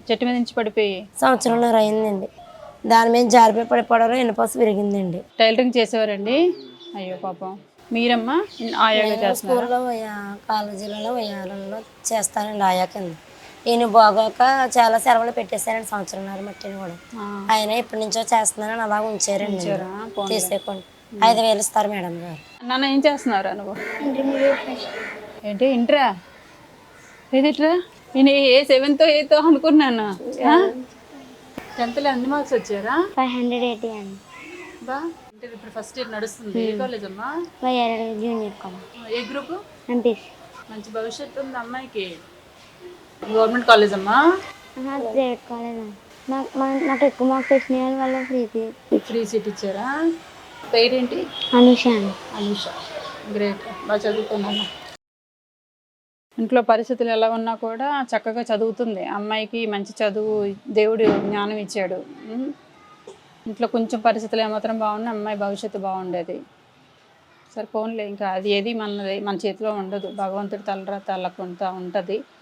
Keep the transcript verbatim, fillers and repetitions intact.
చెట్టు మీద నుంచి పడిపోయి సంవత్సరంన్నర అయిందండి. దాని మీద జారిపోయి పడిపోవడం ఎన్నుపోస విరిగిందండి. టైలరింగ్ చేసేవారండి? అయ్యో పాపం. మీరమ్మా ఆయాగా చేస్తున్నారా? స్కూల్లో కాలేజీలలో వయాలలో చేస్తానండి ఆయా కింద. ఈయన బాగోక చాలా సెలవులు పెట్టేశారండి సంవత్సరంన్నర మట్టిని కూడా. ఆయన ఎప్పటి నుంచో చేస్తున్నానని అలా ఉంచారండి. తీసేయకుండా ఐదు వేలు ఇస్తారు మేడం గారు. నాన్న ఏం చేస్తున్నారా నువ్వు? ఏంటి ఇంటరా? ఏదిట్రా నేను ఏ సెవెంత్ ఎయిత్ అనుకున్నాను. టెన్త్లో ఎన్ని మార్క్స్ వచ్చారా? ఫైవ్ హండ్రెడ్ ఎయిటీ అండి. బా ఇంటర్ ఇప్పుడు ఫస్ట్ ఇయర్ నడుస్తుంది. ఏ కాలేజ్ అమ్మా? Junior college. ఏ గ్రూప్? ఎంపీసీ. మంచి భవిష్యత్తు ఉంది అమ్మాయికి. గవర్నమెంట్ కాలేజ్ అమ్మా? ప్రైవేట్ కాలేజ్ అండి. నాకు నాకు ఎక్కువ మార్క్స్ వచ్చిన వల్ల ఫ్రీ ఫ్రీ సీట్ ఇచ్చారా? పేరేంటి? అనుష అండి. అనుష. గ్రేట్. బాగా చదువుకున్నాను. ఇంట్లో పరిస్థితులు ఎలా ఉన్నా కూడా చక్కగా చదువుతుంది. అమ్మాయికి మంచి చదువు దేవుడు జ్ఞానం ఇచ్చాడు. ఇంట్లో కొంచెం పరిస్థితులు ఏమాత్రం బాగున్నా అమ్మాయి భవిష్యత్తు బాగుండేది. సరే ఫోన్లే, ఇంకా అది ఏది మనది మన చేతిలో ఉండదు. భగవంతుడి తలరా తల్లకుంటా ఉంటుంది.